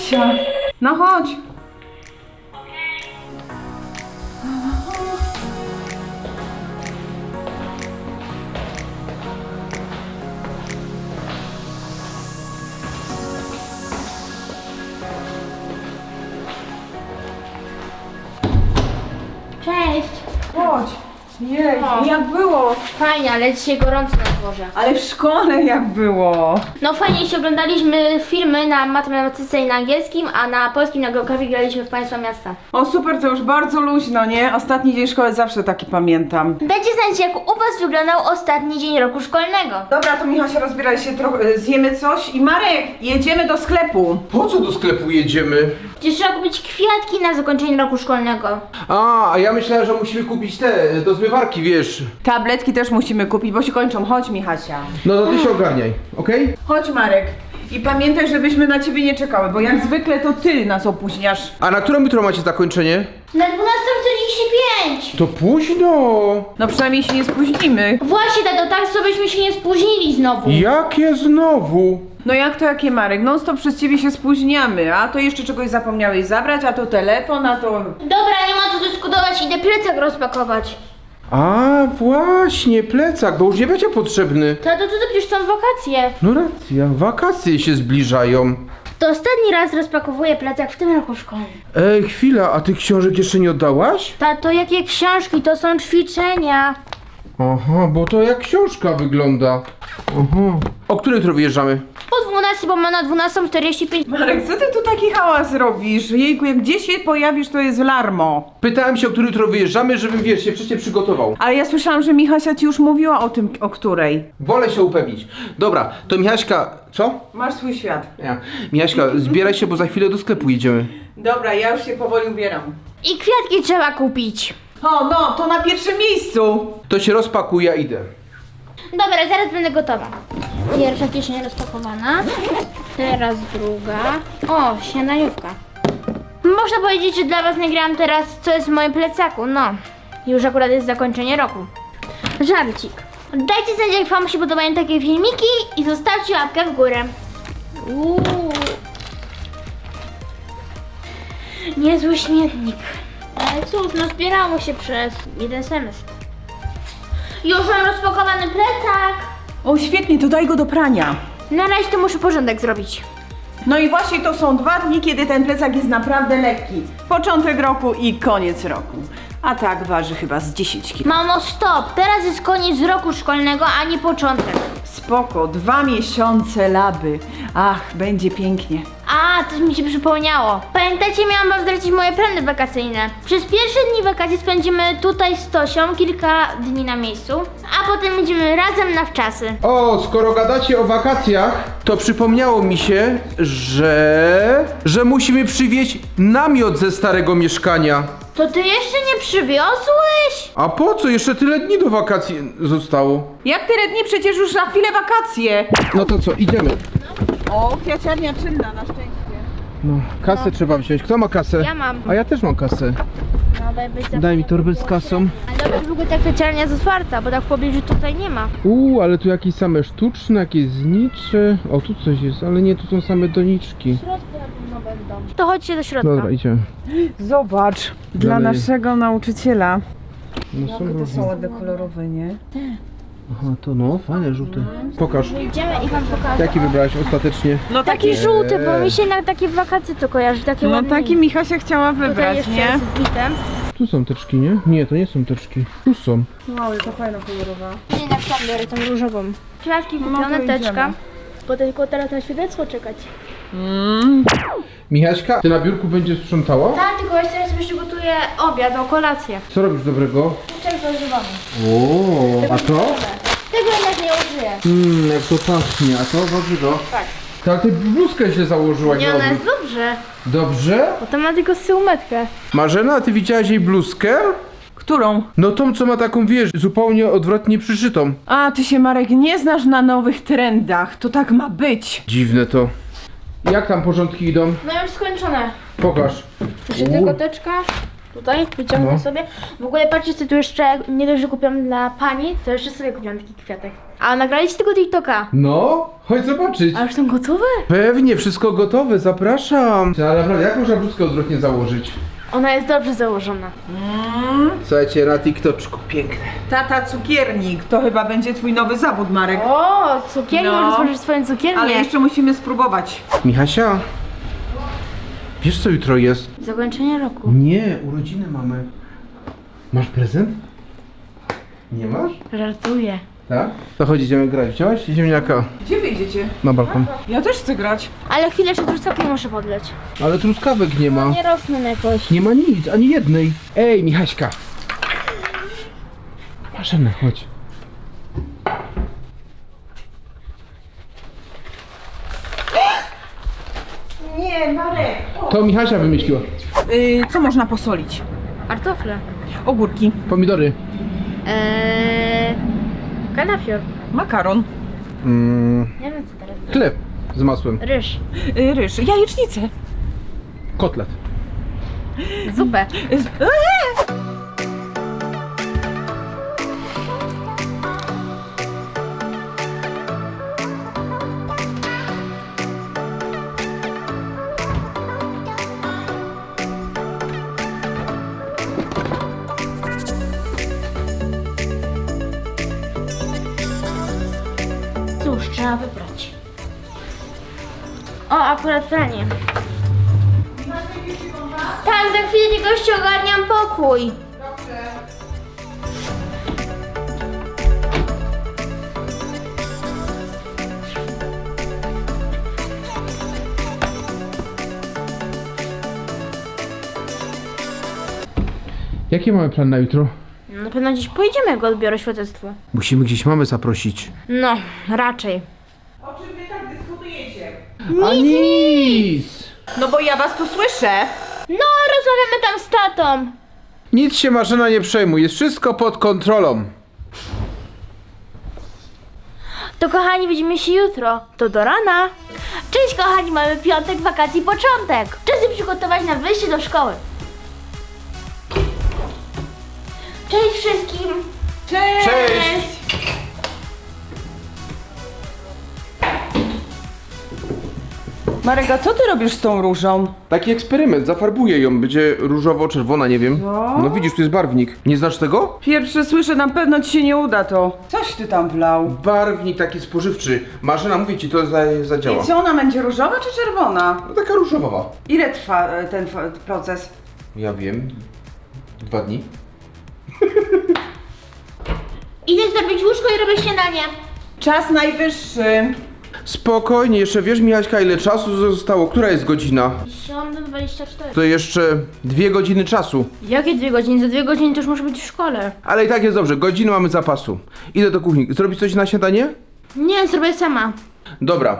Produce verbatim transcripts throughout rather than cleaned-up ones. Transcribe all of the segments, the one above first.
Michasia, no chodź. Cześć! Chodź. Jej, O. jak było? Fajnie, ale dzisiaj gorąco na dworze. Ale w szkole jak było? No fajnie, jeśli oglądaliśmy filmy na matematyce i na angielskim, a na polskim na geografii graliśmy w Państwa Miasta. O super, to już bardzo luźno, nie? Ostatni dzień szkoły zawsze taki pamiętam. Dajcie znać, jak u Was wyglądał ostatni dzień roku szkolnego. Dobra, to Michasia, rozbieraj się trochę, zjemy coś i Marek, jedziemy do sklepu. Po co do sklepu jedziemy? Przecież trzeba kupić kwiatki na zakończenie roku szkolnego. A, a ja myślałem, że musimy kupić te do zmywarki, wiesz. Tabletki też musimy kupić, bo się kończą. Chodź, Michasia. No to ty się ogarniaj, okej? Chodź, Marek. I pamiętaj, żebyśmy na ciebie nie czekały, bo jak zwykle to ty nas opóźniasz. A na którą jutro macie zakończenie? Na dwunastą czterdzieści pięć! To późno. No przynajmniej się nie spóźnimy. Właśnie, tato, tak co byśmy się nie spóźnili znowu. Jakie znowu? No jak to jakie, Marek? Non stop przez ciebie się spóźniamy, a to jeszcze czegoś zapomniałeś zabrać, a to telefon, a to... Dobra, nie ma co dyskutować, idę plecak rozpakować. A, właśnie, plecak, bo już nie będzie potrzebny. Tato, co to przecież są wakacje? No racja, wakacje się zbliżają. To ostatni raz rozpakowuję plecak w tym roku szkolnym. Ej, chwila, a tych książek jeszcze nie oddałaś? Tato, jakie książki? To są ćwiczenia. Aha, bo to jak książka wygląda. Aha. O której jutro wyjeżdżamy? Po dwunastej, bo ma na dwunastą czterdzieści pięć. Marek, co ty tu taki hałas robisz? Jejku, jak gdzieś się pojawisz, to jest larmo. Pytałem się, o której jutro wyjeżdżamy, żebym, wiesz, się wcześniej przygotował. Ale ja słyszałam, że Michasia ci już mówiła o tym, o której. Wolę się upewnić. Dobra, to Michaśka, co? Masz swój świat. Ja. Michaśka, zbieraj się, bo za chwilę do sklepu idziemy. Dobra, ja już się powoli ubieram. I kwiatki trzeba kupić. O, no, to na pierwszym miejscu. To się rozpakuj, ja idę. Dobra, zaraz będę gotowa. Pierwsza kieszeń rozpakowana. Teraz druga. O, śniadaniówka. Można powiedzieć, że dla Was nagrałam teraz, co jest w moim plecaku. No, już akurat jest zakończenie roku. Żarcik. Dajcie znać, jak Wam się podobają takie filmiki i zostawcie łapkę w górę. Uuu. Niezły śmietnik. Ale cóż, no zbierało się przez jeden semestr. Już mam rozpakowany plecak. O, świetnie, to daj go do prania. Na razie to muszę porządek zrobić. No i właśnie to są dwa dni, kiedy ten plecak jest naprawdę lekki. Początek roku i koniec roku. A tak waży chyba z dziesięć kilo. Mamo, stop! Teraz jest koniec roku szkolnego, a nie początek. Spoko, dwa miesiące laby. Ach, będzie pięknie. A, coś mi się przypomniało. Pamiętacie, miałam wam zdradzić moje plany wakacyjne. Przez pierwsze dni wakacji spędzimy tutaj z Tosią kilka dni na miejscu, a potem będziemy razem na wczasy. O, skoro gadacie o wakacjach, to przypomniało mi się, że... że musimy przywieźć namiot ze starego mieszkania. To ty jeszcze nie przywiozłeś? A po co? Jeszcze tyle dni do wakacji zostało. Jak tyle dni? Przecież już na chwilę wakacje. No to co, idziemy. O, kwiaciarnia czynna, na szczęście. No, kasę trzeba wziąć. Kto ma kasę? Ja mam. A ja też mam kasę. No, daj, być za- Daj mi torbę z kasą. Ale dobra, długo ta kwiaciarnia jest otwarta, bo tak w pobliżu tutaj nie ma. Uuu, ale tu jakieś same sztuczne, jakieś znicze. O, tu coś jest, ale nie, tu są same doniczki. W środku na pewno będą. To chodźcie do środka. Dobra, idziemy. Zobacz, dla Dalej. naszego nauczyciela. No są Jakie to różne. są ładne kolorowe, nie? Aha, to no, fajne, żółte. Pokaż. Idziemy i wam pokażę. Jaki wybrałaś ostatecznie? No Taki żółty, bo mi się na takie wakacje to kojarzy, takie No ładne. taki Michasia chciała Tutaj wybrać, jeszcze nie? z bitem. Tu są teczki, nie? Nie, to nie są teczki. Tu są. Wow, jaka fajna kolorowa. Nie, na przykład biorę tą różową. Kwiatki No kupione, to teczka. idziemy. Bo tylko teraz na świadectwo czekać. Mm. Michaśka, ty na biurku będziesz sprzątała? Tak, tylko jeszcze teraz przygotuję obiad, o kolację. Co robisz dobrego? Czego używamy? O, a to? Tego jednak nie użyję. Mmm, jak to pachnie. A to warzywo? Tak. Tak, ty bluzkę źle założyłaś. Nie, na ona odwrót. jest dobrze. Dobrze? Bo to ma tylko syłmetkę. Marzena, a ty widziałaś jej bluzkę? Którą? No tą, co ma taką, wiesz, zupełnie odwrotnie przyszytą. A, ty się, Marek, nie znasz na nowych trendach. To tak ma być. Dziwne to. Jak tam porządki idą? No już skończone. Pokaż. Jeszcze U. tylko teczka. Tutaj wyciągnę No. sobie. W ogóle patrzcie, co tu jeszcze nie dość, że kupiłam dla pani, to jeszcze sobie kupiłam taki kwiatek. A nagraliście tego TikToka. No, chodź zobaczyć. A już są gotowe? Pewnie, wszystko gotowe, zapraszam. Ale naprawdę, jak można bluzkę odwrotnie założyć? Ona jest dobrze założona. Słuchajcie, na TikToczku, piękne. Tata cukiernik, to chyba będzie twój nowy zawód, Marek. O, cukiernię, No. możesz stworzyć swoją cukiernię. Ale jeszcze musimy spróbować. Michasia, wiesz co jutro jest? Zakończenie roku. Nie, urodziny mamy. Masz prezent? Nie masz? Żartuję. Tak? To chodź, idziemy grać. Wziąłeś ziemniaka Gdzie wyjdziecie? na balkon. Ja też chcę grać. Ale chwilę, jeszcze truskawki muszę podleć. Ale truskawek nie ma. Nie rosną jakoś. Nie ma nic, ani jednej. Ej, Michaśka. Marzena, chodź. Nie, Marek. To Michasia wymyśliła. Yy, co można posolić? Kartofle. Ogórki, Pomidory. Eee... Kalafior. makaron, Mm, Nie wiem co teraz. chleb z masłem. Ryż. yy, ryż, jajecznicę. Kotlet. Zupę. Yy, z- eee! Cóż, trzeba wybrać. O, akurat pranie. Tak, za chwilę tylko jeszcze ogarniam pokój. Jaki mamy plan na jutro? Na pewno gdzieś pojedziemy, jak odbiorę świadectwo. Musimy gdzieś mamy zaprosić. No, raczej. O czym wy tak dyskutujecie? A nic! No bo ja was tu słyszę. No, rozmawiamy tam z tatą. Nic się Marzena nie przejmuj, jest wszystko pod kontrolą. To kochani, widzimy się jutro. To do rana. Cześć kochani, mamy piątek, wakacji, początek. Czas się przygotować na wyjście do szkoły. Cześć wszystkim. Cześć! Cześć! Marek, a co ty robisz z tą różą? Taki eksperyment, zafarbuję ją, będzie różowo-czerwona, nie wiem. Co? No widzisz, tu jest barwnik. Nie znasz tego? Pierwsze słyszę, na pewno ci się nie uda to. Coś ty tam wlał. Barwnik taki spożywczy. Marzena, mówię ci, to za, zadziała. I co, ona będzie różowa czy czerwona? No taka różowa. Ile trwa e, ten fa- proces? Ja wiem. Dwa dni. Idę zrobić łóżko i robię śniadanie. Czas najwyższy. Spokojnie, jeszcze wiesz Michaśka, ile czasu zostało? Która jest godzina? siódma dwadzieścia cztery. To jeszcze dwie godziny czasu. Jakie dwie godziny? Za dwie godziny to już muszę być w szkole. Ale i tak jest dobrze, godziny mamy zapasu. Idę do kuchni. Zrobić coś na śniadanie? Nie, zrobię sama. Dobra.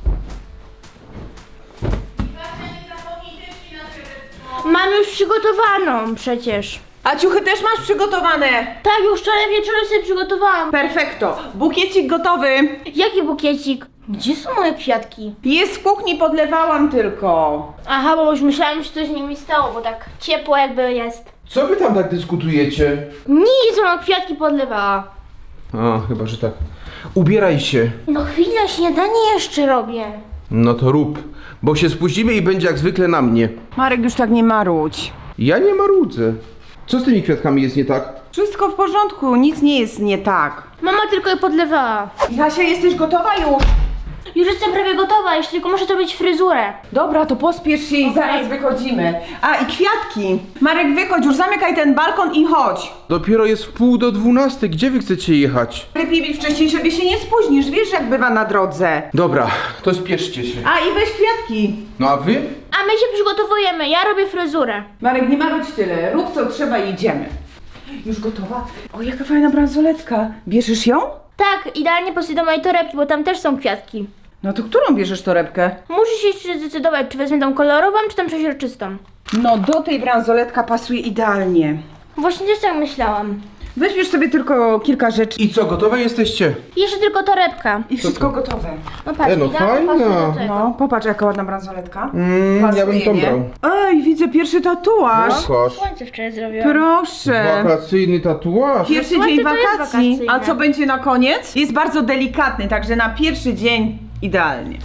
Mam już przygotowaną przecież. A ciuchy też masz przygotowane? Tak, już wczoraj wieczorem sobie przygotowałam. Perfekto. Bukiecik gotowy. Jaki bukiecik? Gdzie są moje kwiatki? Jest w kuchni, podlewałam tylko. Aha, bo już myślałam, że coś z nimi stało, bo tak ciepło jakby jest. Co wy tam tak dyskutujecie? Nic, mama kwiatki podlewała. A, chyba, że tak. Ubieraj się. No chwila, śniadanie jeszcze robię. No to rób, bo się spóźnimy i będzie jak zwykle na mnie. Marek, już tak nie marudź. Ja nie marudzę. Co z tymi kwiatkami jest nie tak? Wszystko w porządku, nic nie jest nie tak. Mama tylko je podlewała. Jasia, jesteś gotowa już? Już jestem prawie gotowa, jeszcze tylko muszę zrobić fryzurę. Dobra, to pospiesz się i zaraz wychodzimy. A, i kwiatki. Marek, wychodź, już zamykaj ten balkon i chodź. Dopiero jest w pół do dwunastej, gdzie wy chcecie jechać? Lepiej być wcześniej, żeby się nie spóźnisz, wiesz jak bywa na drodze. Dobra, to spieszcie się. A, i weź kwiatki. No a wy? A my się przygotowujemy, ja robię fryzurę. Marek, nie ma być tyle, rób co trzeba i idziemy. Już gotowa? O, jaka fajna bransoletka. Bierzesz ją? Tak, idealnie pasuje do mojej torebki, bo tam też są kwiatki. No to którą bierzesz torebkę? Muszę się jeszcze zdecydować, czy wezmę tą kolorową, czy tą przeźroczystą. No do tej bransoletka pasuje idealnie. Właśnie też tak myślałam. Weźmiesz sobie tylko kilka rzeczy I co, gotowe jesteście? Jeszcze tylko torebka. i wszystko gotowe. No patrz, E, no idealnie fajna. pasuje do tego. No, popatrz jaka ładna bransoletka. Mm, ja bym Pasuje, tą nie? brał. Ej, widzę pierwszy tatuaż. Kosz. Słońce wczoraj zrobiłam. Proszę. Wakacyjny tatuaż. Pierwszy Słońce dzień to jest wakacji. wakacyjne. A co będzie na koniec? Jest bardzo delikatny, także na pierwszy dzień idealnie.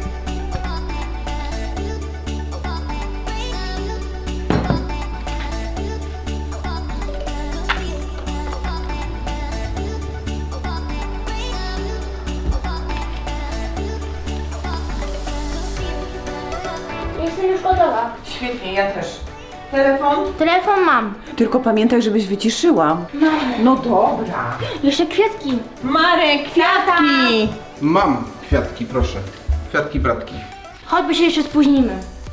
Jestem już gotowa. Świetnie, ja też. Telefon? Telefon mam. Tylko pamiętaj, żebyś wyciszyła. No dobra. Jeszcze kwiatki. Marek, kwiatki! Mam kwiatki, proszę. Kwiatki bratki. Choćby się jeszcze spóźnimy.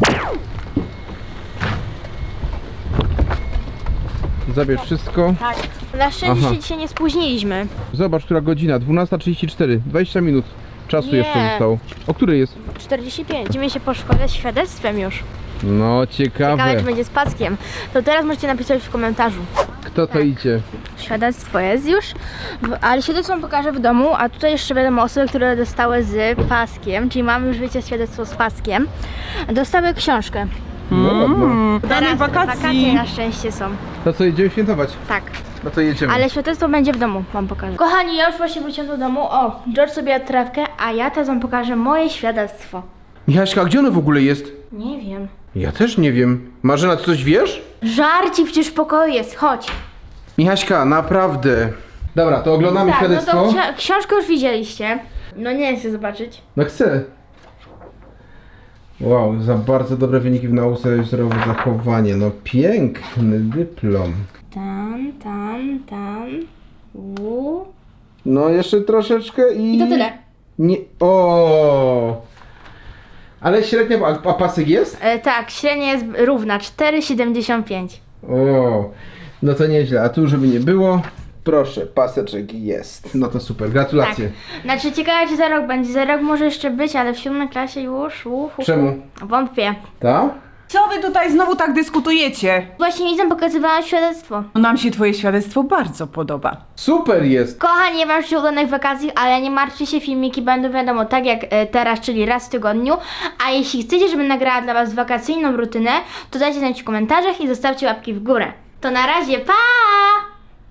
Zabierz wszystko. Tak. Na szczęście Aha. się dzisiaj nie spóźniliśmy. Zobacz, która godzina. dwunasta trzydzieści cztery. dwadzieścia minut czasu Nie. jeszcze zostało. O której jest? czterdzieści pięć. Idziemy się po szkole z świadectwem już. No, ciekawe. Ciekawe, czy będzie z paskiem. To teraz możecie napisać w komentarzu. Kto to idzie? Świadectwo jest już, w- ale świadectwo wam pokażę w domu, a tutaj jeszcze wiadomo osoby, które dostały z paskiem, czyli mamy już wiecie świadectwo z paskiem, dostały książkę. No ładno. Danej wakacje wakacji. na szczęście są. To co, idziemy świętować? Tak. No to jedziemy. Ale świadectwo będzie w domu, wam pokażę. Kochani, ja już właśnie wróciłam do domu. O, George sobie jadł trawkę, a ja teraz wam pokażę moje świadectwo. Michaśka, a gdzie ono w ogóle jest? Nie wiem. Ja też nie wiem. Marzena, ty coś wiesz? Żarci przecież w pokoju jest, chodź. Michaśka, naprawdę. Dobra, to oglądamy Tak, no świadectwo. to ksi- książkę już widzieliście. No nie chcę zobaczyć. No chcę. Wow, za bardzo dobre wyniki w nauce, zdrowe zachowanie. No piękny dyplom. Tam, tam, tam. U. No jeszcze troszeczkę i... I to tyle. Nie... O. Ale średnia, a, a pasek jest? E, tak, średnia jest równa, cztery siedemdziesiąt pięć. O. No to nieźle, a tu żeby nie było... Proszę, paseczek jest. No to super, gratulacje. Tak. Znaczy ciekawe czy za rok będzie, za rok może jeszcze być, ale w siódmej klasie już. Uhu. Czemu? Wątpię. Tak? Co wy tutaj znowu tak dyskutujecie? Właśnie widzę, pokazywałam świadectwo. Nam się twoje świadectwo bardzo podoba. Super jest. Kochani, nie mam jeszcze udanych wakacji, ale nie martwcie się, filmiki będą wiadomo tak jak e, teraz, czyli raz w tygodniu. A jeśli chcecie, żebym nagrała dla was wakacyjną rutynę, to dajcie znać w komentarzach i zostawcie łapki w górę. To na razie, pa!